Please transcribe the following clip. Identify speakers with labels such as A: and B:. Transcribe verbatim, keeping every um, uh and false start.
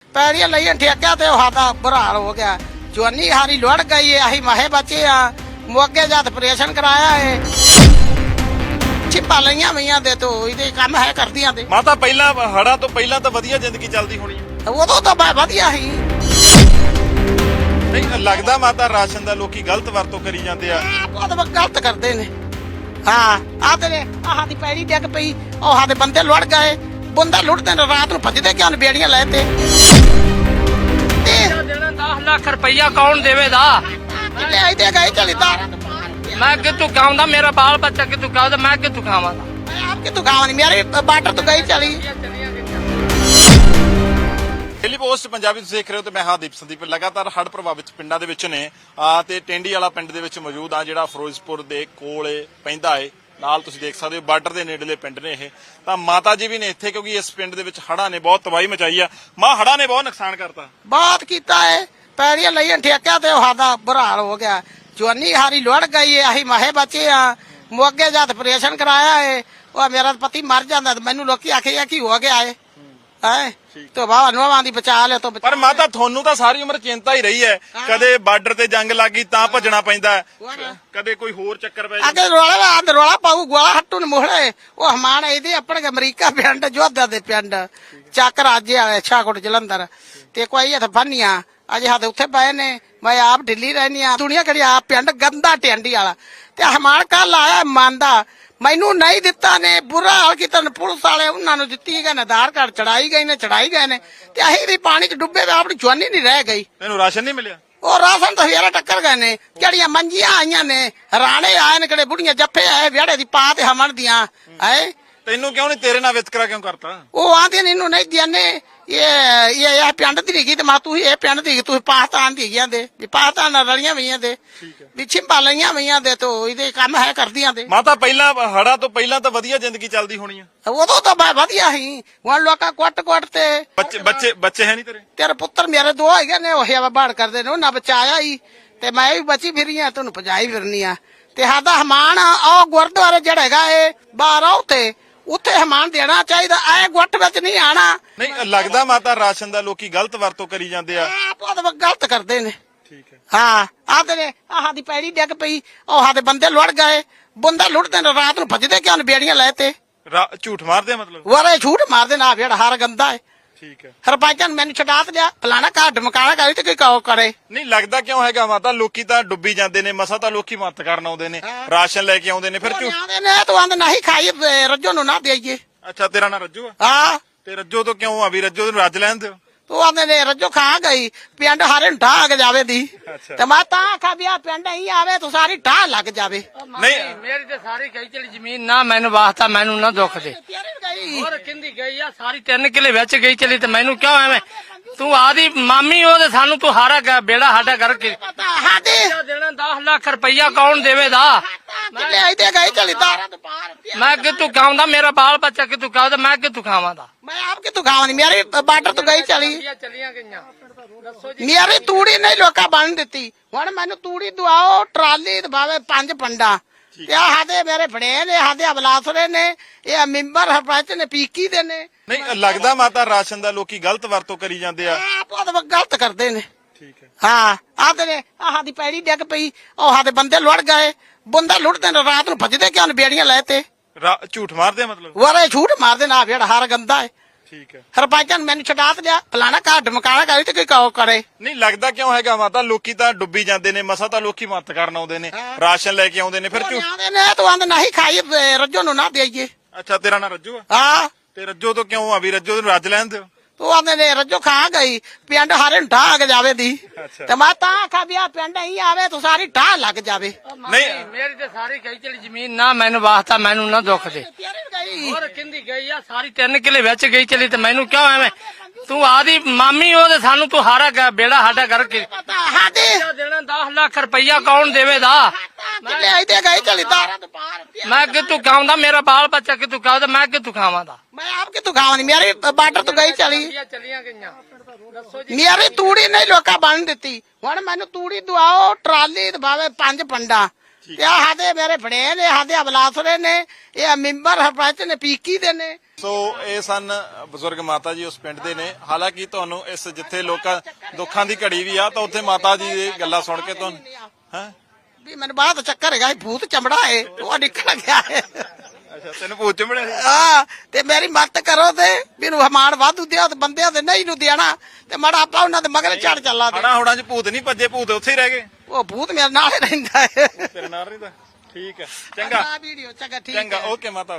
A: ਪੈੜੀਆਂ ਲਈਆਂ ਠੇਕਿਆ ਤੇ ਉਹ ਸਾਡਾ ਬੁਰਾ ਹਾਲ ਹੋ ਗਿਆ। ਜਵਾਨੀ ਹਾਰੀ ਲੁੜ ਗਈ ਹੈ। ਅਸੀਂ ਮਾਹੇ ਬੱਚੇ ਆ ਮੋਗੇ ਜਦ ਆਪਰੇਸ਼ਨ ਕਰਾਇਆ ਹੈ ਛਿਪਾ ਲਈਆਂ ਮਈਆਂ ਦੇ ਤੋਂ ਇਹਦੇ ਕੰਮ ਹੈ ਕਰਦੀਆਂ ਤੇ
B: ਮਾਤਾ ਪਹਿਲਾਂ ਹੜਾਂ ਤੋਂ ਪਹਿਲਾਂ ਤਾਂ ਵਧੀਆ ਜ਼ਿੰਦਗੀ ਚੱਲਦੀ ਹੋਣੀ ਹੈ।
A: ਉਦੋਂ ਤਾਂ ਬਾ- ਵਧੀਆ ਸੀ।
B: ਨਹੀਂ ਲੱਗਦਾ ਮਾਤਾ ਰਾਸ਼ਨ ਦਾ ਲੋਕੀ ਗਲਤ ਵਰਤੋਂ ਕਰੀ ਜਾਂਦੇ ਆ।
A: ਬਹੁਤ ਗਲਤ ਕਰਦੇ ਨੇ। ਹਾਂ ਆਹ ਤੇ ਆਹ ਦੀ ਪੈੜੀ ਡਿੱਗ ਪਈ ਉਹ ਸਾਡੇ ਬੰਦੇ ਲੁੜ ਗਏ। ਬੰਦਾ ਲੁੱਟਦੇ ਨੇ ਰਾਤ ਨੂੰ ਭੱਜਦੇ ਕਿਉਂ ਬੇੜੀਆਂ ਲੈ ਤੇ
C: ਦੇਣਾ ਦਸ ਲੱਖ ਰੁਪਈਆ ਕੌਣ ਦੇਵੇਦਾ?
A: ਕਿੱਲੇ ਆਈ ਤੇ ਗਏ ਚਲੀ ਤਾਰਾਂ
C: ਮੈਂ ਕਿੱਥੋਂ ਖਾਉਂਦਾ? ਮੇਰਾ ਬਾਲ ਬੱਚਾ ਕਿੱਥੋਂ ਖਾਉਂਦਾ? ਮੈਂ ਕਿੱਥੋਂ ਖਾਵਾਂਗਾ?
A: ਮੈਂ ਆਪ ਕਿਤੋਂ ਖਾਵਾਂ ਨਹੀਂ ਮੇਰੀ ਬਾਟਰ ਤੋਂ ਗਈ ਚਲੀ।
B: ਡੇਲੀ ਪੋਸਟ ਪੰਜਾਬੀ ਤੁਸੀਂ ਦੇਖ ਰਹੇ ਹੋ ਤੇ ਮੈਂ ਹਾਂ ਦੀਪ ਸੰਦੀਪ। ਲਗਾਤਾਰ ਹੜ੍ਹ ਪ੍ਰਭਾਵਿਤ ਪਿੰਡਾਂ ਦੇ ਵਿੱਚ ਨੇ ਆ ਤੇ ਟੈਂਡੀ ਵਾਲਾ ਪਿੰਡ ਦੇ ਵਿੱਚ ਮੌਜੂਦ ਆ ਜਿਹੜਾ ਫਿਰੋਜ਼ਪੁਰ ਦੇ ਕੋਲ ਪੈਂਦਾ ਏ। ਨਾਲ ਤੁਸੀਂ ਦੇਖ ਸਕਦੇ ਹੋ ਬਾਰਡਰ ਦੇ ਨੇੜਲੇ ਪਿੰਡ ਨੇ ਇਹ। ਤਾਂ ਮਾਤਾ ਜੀ ਵੀ ਨੇ ਇੱਥੇ ਕਿਉਂਕਿ ਇਸ ਪਿੰਡ ਦੇ ਵਿੱਚ ਹੜ੍ਹਾਂ ਨੇ ਬਹੁਤ ਤਬਾਹੀ ਮਚਾਈ ਆ। ਮਾਂ ਹੜ੍ਹਾਂ ਨੇ ਬਹੁਤ ਨੁਕਸਾਨ ਕਰਤਾ।
A: ਬਹੁਤ ਕੀਤਾ ਹੈ। ਪੈੜੀਆਂ ਲਈਆਂ ਠੇਕਿਆ ਤੇ ਉਹ ਸਾਡਾ ਬੁਰਾ ਹਾਲ ਹੋ ਗਿਆ। ਜਵਾਨੀ ਹਾਰੀ ਲੁੜ ਗਈ ਹੈ। ਅਸੀਂ ਮਾਹੇ ਬੱਚੇ ਆ ਮੋਗੇ ਜਦ ਆਪਰੇਸ਼ਨ ਕਰਾਇਆ ਹੈ ਉਹ ਮੇਰਾ ਪਤੀ ਮਰ ਜਾਂਦਾ ਤੇ ਮੈਨੂੰ ਲੋਕੀ ਆਖਿਆ ਕੀ ਹੋ ਗਿਆ ਹੈ ਹੈ ਤੇ ਬਾਬਾ ਨੋਵਾਂ ਦੀ ਬਚਾ ਲਿਆ ਤੋਂ
B: ਪਰ ਮਾਤਾ ਤੁਹਾਨੂੰ ਤਾਂ ਸਾਰੀ ਉਮਰ ਚਿੰਤਾ ਹੀ ਰਹੀ ਹੈ। ਕਦੇ ਬਾਰਡਰ ਤੇ ਜੰਗ ਲੱਗੀ ਤਾਂ ਭੱਜਣਾ ਪੈਂਦਾ, ਕਦੇ ਕੋਈ ਹੋਰ ਚੱਕਰ ਪੈ ਜਾਂਦਾ।
A: ਅੱਗੇ ਰੋਲਾ ਆਂਦ ਰੋਲਾ ਪਾਉ ਗੋਲਾ ਹੱਟੂ ਨੂੰ ਮੋਹੜੇ ਉਹ ਹਮਾਨ ਇਹਦੇ ਆਪਣੇ ਅਮਰੀਕਾ ਪਿੰਡ ਜੋਧਾ ਦੇ ਪਿੰਡ ਚੱਕ ਰਾਜੇ ਵਾਲੇ ਛਾਕੋਟ ਜਲੰਧਰ ਤੇ ਕੋਈ ਇੱਥੇ ਬੰਨੀਆਂ ਅਜੇ ਸਾਡੇ ਉੱਥੇ ਪਏ ਨੇ। ਮੈਂ ਆਪ ਦਿੱਲੀ ਰਹਿਨੀ ਆ ਦੁਨੀਆ ਕਿਹੜੀ ਆਪ ਪਿੰਡ ਗੰਦਾ ਟੈਂਡੀ ਵਾਲਾ ਤੇ ਹਮਾਨ ਕੱਲ ਆਇਆ ਮੰਨਦਾ ਮੈਨੂੰ ਨਹੀਂ ਦਿੱਤਾ ਨੇ ਬੁਰਾ ਹਾਲ ਕੀਤਾ ਨੇ। ਪੁਲਿਸ ਵਾਲੇ ਉਹਨਾਂ ਨੂੰ ਦਿੱਤੀ ਗਏ ਨੇ ਆਧਾਰ ਕਾਰਡ ਚੜਾਈ ਗਏ ਨੇ ਚੜਾਈ ਗਏ ਨੇ ਤੇ ਅਸੀਂ ਵੀ ਪਾਣੀ ਚ ਡੁੱਬੇ ਤੇ ਆਪਣੀ ਜਵਾਨੀ ਨਹੀਂ ਰਹਿ ਗਈ।
B: ਤੈਨੂੰ ਰਾਸ਼ਨ ਨਹੀਂ ਮਿਲਿਆ?
A: ਉਹ ਰਾਸ਼ਨ ਤਾਂ ਫੇਰ ਟੱਕਰ ਗਏ ਨੇ। ਕਿਹੜੀਆਂ ਮੰਜੀਆਂ ਆਈਆਂ ਨੇ ਰਾਣੇ ਆਏ ਨੇ ਕਿਹੜੇ ਬੁੜੀਆਂ ਜੱਫੇ ਆਏ ਵਿਹੜੇ ਦੀ ਪਾ ਤੇ ਹਮਣ ਦੀਆਂ ਹੈ।
B: ਤੈਨੂੰ ਕਿਉਂ ਨਹੀਂ ਤੇਰੇ ਨਾਲ ਵਿਤਕਰਾ ਕਿਉਂ ਕਰਤਾ?
A: ਉਹ ਆਂਦੇ ਨੇ ਇਹਨੂੰ ਨਹੀਂ ਦਿਆਨੇ ਇਹ ਇਹ ਇਹ ਪਿੰਡ ਦੀ ਗਈ ਤੇ ਮਾ ਤੂੰ ਇਹ ਪਿੰਡ ਦੀ ਤੂੰ ਪਾਕਿਸਤਾਨ ਦੀ ਗਿਆ ਦੇ ਵੀ ਪਾਕਿਸਤਾਨ ਨਾਲ ਰਲੀਆਂ ਵਈਆਂ ਦੇ ਵੀ ਛਿੰਪਾ ਲਈਆਂ ਵਈਆਂ ਦੇ ਤੋਂ ਇਹਦੇ ਕੰਮ ਹੈ ਕਰਦੀਆਂ ਤੇ
B: ਮਾਤਾ ਪਹਿਲਾਂ ਹੜਾਂ ਤੋਂ ਪਹਿਲਾਂ ਤਾਂ ਵਧੀਆ ਜ਼ਿੰਦਗੀ ਚੱਲਦੀ ਹੋਣੀ ਆ।
A: ਉਦੋਂ ਤਾਂ ਬਾ- ਵਧੀਆ ਸੀ। ਹੁਣ ਲੋਕਾਂ ਕੁੱਟ ਕੁੱਟ ਤੇ
B: ਬੱਚੇ ਬੱਚੇ ਬੱਚੇ ਹੈ ਨਹੀਂ ਤੇਰੇ?
A: ਤੇਰੇ ਪੁੱਤਰ ਮੇਰੇ ਦੋ ਹੈਗੇ ਨੇ ਉਹ ਹਵਾ ਬਾੜ ਕਰਦੇ ਨੇ ਉਹਨਾਂ ਬਚਾਇਆ ਹੀ ਤੇ ਮੈਂ ਵੀ ਬਚੀ ਫਿਰੀ ਆ ਤੁਹਾਨੂੰ ਭਜਾਈ ਫਿਰਨੀ ਆ ਤੇ ਸਾਡਾ ਹਮਾਨ ਉਹ ਗੁਰਦੁਆਰੇ ਜਿਹੜਾ ਹੈਗਾ ਇਹ ਬਾਹਰ ਆਉ ਤੇ ਉੱਥੇ ਹਮਾਨ ਦੇਣਾ ਚਾਹੀਦਾ। ਐ ਗੁੱਟ ਵਿੱਚ ਨਹੀਂ ਆਣਾ।
B: ਨਹੀਂ ਲੱਗਦਾ ਮਾਤਾ ਰਾਸ਼ਨ ਦਾ ਲੋਕੀ ਗਲਤ ਵਰਤੋਂ ਕਰੀ ਜਾਂਦੇ ਆ।
A: ਬਹੁਤ ਗਲਤ ਕਰਦੇ ਨੇ।
B: ਠੀਕ ਹੈ।
A: ਹਾਂ ਆਹ ਤੇ ਆਹ ਦੀ ਪੈੜੀ ਡਿੱਗ ਪਈ ਉਹ ਸਾਡੇ ਬੰਦੇ ਲੁੜ ਗਏ। ਬੰਦਾ ਲੁੱਟਦੇ ਨੇ ਰਾਤ ਨੂੰ ਭੱਜਦੇ ਕਿਉਂ ਬੇੜੀਆਂ ਲੈ ਤੇ
B: ਝੂਠ ਮਾਰਦੇ ਮਤਲਬ?
A: ਵਾਰੇ ਝੂਠ ਮਾਰਦੇ ਨਾ ਜਿਹੜਾ ਹਰ ਗੰਦਾ ਹੈ।
B: ਠੀਕ ਹੈ।
A: ਸਰਪੰਚਾਂ ਮੈਨੂੰ ਛਡਾ ਤੇ ਲਿਆ ਫਲਾਣਾ ਘਰ ਢਮਕਾਣਾ ਕਰੀ ਤੇ ਕੋਈ ਕਹੋ ਕਰੇ
B: ਨਹੀਂ ਲੱਗਦਾ ਕਿਉਂ ਹੈਗਾ ਮਾਤਾ ਲੋਕੀ ਤਾਂ ਡੁੱਬੀ ਜਾਂਦੇ ਨੇ ਮਸਾ ਤਾਂ ਲੋਕੀ ਮਦਦ ਕਰਨ ਆਉਂਦੇ ਨੇ ਰਾਸ਼ਨ ਲੈ ਕੇ ਆਉਂਦੇ ਨੇ ਫਿਰ ਝੂਠ
A: ਆਉਂਦੇ ਨੇ ਤੂੰ ਆਂਦਾ ਨਹੀਂ ਖਾਈ ਰੱਜੋ ਨੂੰ ਨਾ ਦੇਈਏ।
B: ਅੱਛਾ ਤੇਰਾ ਨਾਂ ਰੱਜੂ ਆ?
A: ਹਾਂ
B: ਤੇ ਰੱਜੋ ਤੋਂ ਕਿਉਂ ਆ ਵੀ ਰੱਜੋ ਨੂੰ ਰੱਜ ਲੈਣ ਦਿਓ।
A: ਤੂੰ ਆਂਦੇ ਨੇ ਰੱਜੋ ਖਾ ਗਈ ਪਿੰਡ ਹਾਰੇ ਢਾਹ ਕੇ ਜਾਵੇ ਦੀ ਤੇ ਮੈਂ ਤਾਂ ਆਖਾ ਵੀ ਆ ਪਿੰਡ ਹੀ ਆਵੇ ਤੂੰ ਸਾਰੀ ਢਾਹ ਲੱਗ ਜਾਵੇ।
C: ਨਹੀਂ ਮੇਰੀ ਤੇ ਸਾਰੀ ਗਈ ਚਲੀ ਜ਼ਮੀਨ ਨਾ ਮੈਨੂੰ ਵਾਸਤਾ ਮੈਨੂੰ ਨਾ ਦੁੱਖ ਦੇ।
A: ਗਈ
C: ਹੋਰ ਕਿੰਦੀ ਗਈ ਆ ਸਾਰੀ ਤਿੰਨ ਕਿਲੇ ਵਿੱਚ ਗਈ ਚਲੀ ਤੇ ਮੈਨੂੰ ਕਿਉਂ ਐਵੇਂ ਤੂੰ ਆਦੀ ਮਾਮੀ ਉਹਦੇ ਸਾਨੂੰ ਤੂੰ ਹਾਰਾ ਗਿਆ ਬੇੜਾ ਸਾਡਾ ਕਰਕੇ
A: ਹਾਦੇ
C: ਦੇਣਾ ਦਸ ਲੱਖ ਰੁਪਈਆ ਕੌਣ ਦੇਵੇਦਾ?
A: ਕਿੱਲੇ ਆਈ ਤੇ ਗਈ ਚਲੀ ਤਾਰਾਂ ਤੋਂ ਪਾਰ
C: ਮੈਂ ਕਿੱਥੋਂ ਖਾਉਂਦਾ? ਮੇਰਾ ਬਾਲ ਬੱਚਾ ਕਿੱਥੋਂ ਖਾਉਂਦਾ? ਮੈਂ ਕਿੱਥੋਂ ਖਾਵਾਂਗਾ?
A: ਮੈਂ ਆਪ ਕਿਤੋਂ ਖਾਵਾਂ ਨਹੀਂ ਮੇਰੀ ਬਾਟਰ ਤੋਂ ਗਈ ਚਲੀ।
C: ਚਲੀਆਂ ਗਈਆਂ ਦੱਸੋ ਜੀ।
A: ਮੇਰੀ ਤੂੜੀ ਨਹੀਂ ਲੋਕਾਂ ਬਣ ਦਿੱਤੀ। ਹੁਣ ਮੈਨੂੰ ਤੂੜੀ ਦਵਾਓ ਟਰਾਲੀ ਦਵਾਵੇ ਪੰਜ ਪੰਡਾ ਤੇ ਆ ਸਾਡੇ ਮੇਰੇ ਫੜੇ ਨੇ ਸਾਡੇ ਅਬਲਾਸਰੇ ਨੇ ਇਹ ਮੈਂਬਰ ਸਰਪੰਚ ਨੇ ਪੀਕੀ ਦੇ ਨੇ।
B: ਨਹੀਂ ਲੱਗਦਾ ਮਾਤਾ ਰਾਸ਼ਨ ਦਾ ਲੋਕੀ ਗਲਤ ਵਰਤੋਂ ਕਰੀ ਜਾਂਦੇ ਆ।
A: ਬਹੁਤ ਗਲਤ ਕਰਦੇ ਨੇ।
B: ਠੀਕ ਹੈ।
A: ਹਾਂ ਆਹ ਤੇ ਆਹ ਦੀ ਪੈੜੀ ਡਿੱਗ ਪਈ ਉਹ ਸਾਡੇ ਬੰਦੇ ਲੁੜ ਗਏ। ਬੰਦਾ ਲੁੱਟਦੇ ਨੇ ਰਾਤ ਨੂੰ ਭੱਜਦੇ ਕਿਉਂ ਬੇੜੀਆਂ ਲੈ ਤੇ
B: ਝੂਠ ਮਾਰਦੇ ਮਤਲਬ?
A: ਵਾਰੇ ਝੂਠ ਮਾਰਦੇ ਨਾ ਜਿਹੜਾ ਹਰ ਗੰਦਾ ਹੈ।
B: ਠੀਕ ਹੈ।
A: ਸਰਪੰਚਾਂ ਮੈਨੂੰ ਛਡਾ ਤੇ ਲਿਆ ਫਲਾਣਾ ਘਰ ਢਮਕਾਣਾ ਕਰੀ ਤੇ ਕੋਈ ਕਹੋ ਕਰੇ
B: ਨਹੀਂ ਲੱਗਦਾ ਕਿਉਂ ਹੈਗਾ ਮਾਤਾ ਲੋਕੀ ਤਾਂ ਡੁੱਬੀ ਜਾਂਦੇ ਨੇ ਮਸਾ ਤਾਂ ਲੋਕੀ ਮਦਦ ਕਰਨ ਆਉਂਦੇ ਨੇ ਰਾਸ਼ਨ ਲੈ ਕੇ ਆਉਂਦੇ ਨੇ ਫਿਰ ਝੂਠ
A: ਆਉਂਦੇ ਨੇ ਤੂੰ ਆਂਦਾ ਨਹੀਂ ਖਾਈ ਰੱਜੋ ਨੂੰ ਨਾ ਦੇਈਏ।
B: ਅੱਛਾ ਤੇਰਾ ਨਾਂ ਰੱਜੂ ਆ?
A: ਹਾਂ
B: ਤੇ ਰੱਜੋ ਤੋਂ ਕਿਉਂ ਆ ਵੀ ਰੱਜੋ ਨੂੰ ਰੱਜ ਲੈਣ ਦਿਓ।
A: ਤੂੰ ਆਂਦੇ ਨੇ ਰੱਜੋ ਖਾ ਗਈ ਪਿੰਡ ਹਾਰੇ ਢਾਹ ਕੇ ਜਾਵੇ ਦੀ ਤੇ ਮੈਂ ਤਾਂ ਆਖਾ ਵੀ ਆ ਪਿੰਡ ਹੀ ਆਵੇ ਤੂੰ ਸਾਰੀ ਢਾਹ ਲੱਗ ਜਾਵੇ।
C: ਨਹੀਂ ਮੇਰੀ ਤੇ ਸਾਰੀ ਗਈ ਚਲੀ ਜ਼ਮੀਨ ਨਾ ਮੈਨੂੰ ਵਾਸਤਾ ਮੈਨੂੰ ਨਾ ਦੁੱਖ ਦੇ। ਹੋਰ ਕਿੰਦੀ ਗਈ ਆ ਸਾਰੀ ਤਿੰਨ ਕਿਲੇ ਵਿੱਚ ਗਈ ਚਲੀ ਤੇ ਮੈਨੂੰ ਕਿਉਂ ਐਵੇਂ ਤੂੰ ਆਦੀ ਮਾਮੀ ਉਹਦੇ ਸਾਨੂੰ ਤੂੰ ਹਾਰਾ ਗਿਆ ਬੇੜਾ ਸਾਡਾ ਕਰਕੇ
A: ਹਾਦੇ
C: ਦੇਣਾ ਦਸ ਲੱਖ ਰੁਪਈਆ ਕੌਣ ਦੇਵੇਦਾ?
A: ਕਿੱਲੇ ਆਈ ਤੇ ਗਈ ਚਲੀ ਤਾਰਾਂ ਤੋਂ ਪਾਰ
C: ਮੈਂ ਕਿੱਥੋਂ ਖਾਉਂਦਾ? ਮੇਰਾ ਬਾਲ ਬੱਚਾ ਕਿੱਥੋਂ ਖਾਉਂਦਾ? ਮੈਂ ਕਿੱਥੋਂ ਖਾਵਾਂਗਾ?
A: ਮੈਂ ਆਪ ਕਿਤੋਂ ਖਾਵਾਂ ਨਹੀਂ ਮੇਰੀ ਬਾਟਰ ਤੋਂ ਗਈ ਚਲੀ।
C: ਚਲੀਆਂ ਗਈਆਂ ਦੱਸੋ ਜੀ।
A: ਮੇਰੀ ਤੂੜੀ ਨਹੀਂ ਲੋਕਾਂ ਬਣ ਦਿੱਤੀ। ਹੁਣ ਮੈਨੂੰ ਤੂੜੀ ਦਵਾਓ ਟਰਾਲੀ ਦਵਾਵੇ ਪੰਜ ਪੰਡਾ ਤੇ ਆ ਸਾਡੇ ਮੇਰੇ ਫੜੇ ਨੇ ਸਾਡੇ ਅਬਲਾਸਰੇ ਨੇ ਇਹ ਮੈਂਬਰ ਸਰਪੰਚ ਨੇ ਪੀਕੀ ਦੇ ਨੇ।
B: ਸੋ ਇਹ ਸਨ ਬਜ਼ੁਰਗ ਮਾਤਾ ਜੀ ਉਸ ਪਿੰਡ ਦੇ ਨੇ। ਹਾਲਾਂਕਿ ਤੁਹਾਨੂੰ ਇਸ ਜਿੱਥੇ ਲੋਕਾਂ ਦੁੱਖਾਂ ਦੀ ਘੜੀ ਵੀ ਆ ਤਾਂ ਉੱਥੇ ਮਾਤਾ ਜੀ ਦੀ ਗੱਲਾਂ ਸੁਣ ਕੇ ਤੁਹਾਨੂੰ ਹੈ
A: ਵੀ ਮੈਨੂੰ ਬਾਅਦ ਚੱਕਰ ਹੈਗਾ ਸੀ, ਭੂਤ ਚਮੜਾ ਏ ਉਹ ਨਿਕਲ ਗਿਆ ਏ।
B: ਅੱਛਾ ਤੈਨੂੰ ਭੂਤ ਚੰਬੜਿਆ ਸੀ?
A: ਹਾਂ ਤੇ ਮੇਰੀ ਮਦਦ ਕਰੋ ਤੇ ਮੈਨੂੰ ਹਮਾਨ ਵਾਧੂ ਦਿਓ ਤੇ ਬੰਦਿਆਂ ਦੇ ਨਹੀਂ ਨੂੰ ਦੇਣਾ ਤੇ ਮਾੜਾ ਆਪਾਂ ਉਹਨਾਂ ਦੇ ਮਗਰ ਚੜ ਚੱਲਾ ਤੇ
B: ਹੜਾ ਹੁੜਾਂ 'ਚ ਭੂਤ ਨਹੀਂ ਭੱਜੇ, ਭੂਤ ਉੱਥੇ ਹੀ ਰਹਿ ਗਏ।
A: ਉਹ ਭੂਤ ਮੇਰੇ ਨਾਲ ਹੀ ਰਹਿੰਦਾ ਏ।
B: ਤੇਰੇ ਨਾਲ ਰਹਿੰਦਾ। ਠੀਕ ਹੈ, ਚੰਗਾ
A: ਵੀਡੀਓ ਚੰਗਾ ਠੀਕ
B: ਚੰਗਾ
A: ਹੈ।
B: ਓਕੇ ਮਾਤਾ।